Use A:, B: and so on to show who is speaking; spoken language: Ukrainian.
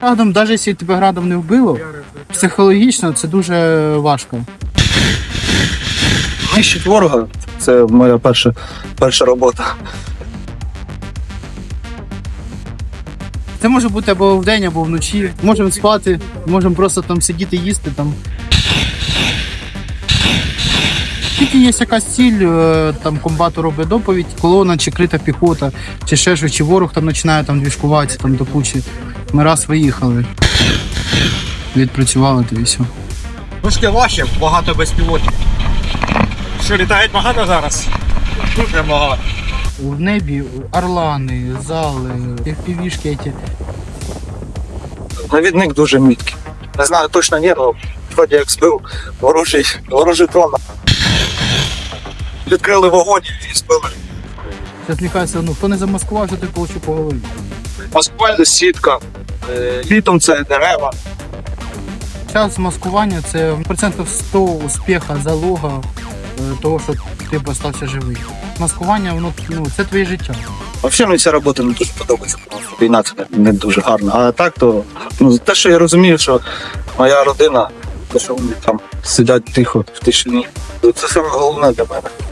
A: Градом, навіть якщо тебе градом не вбило, психологічно це дуже важко.
B: Нищить ворога – це моя перша робота.
A: Це може бути або вдень, або вночі. Можемо спати, можемо просто там сидіти, їсти там. Тільки є якась ціль, там комбату робить доповідь, колона чи крита піхота, чи ще щось, чи ворог там починає там двіжкуватися там до кучі. Ми раз виїхали, відпрацювали то і все.
C: Трошки важче, багато безпілотів. Що, літають багато зараз? Дуже багато.
A: В небі орлани, зали, FPV-шки ці.
B: Навідник дуже міткий. Не знаю точно ні, але вроді як збив ворожий дрон. Відкрили вогонь і збили.
A: Зараз мені кажеться, хто не замаскував, що ти получив по голові.
B: Маскувальна сітка, літом це дерева.
A: Час маскування це процентів 100 успіха, залога того, що ти залишився живий. Маскування, воно це твоє життя.
B: Взагалі мені ця робота не дуже подобається. Війна це не дуже гарна. А так то, те, що я розумію, що моя родина, те, що вони там сидять тихо в тишині, це саме головне для мене.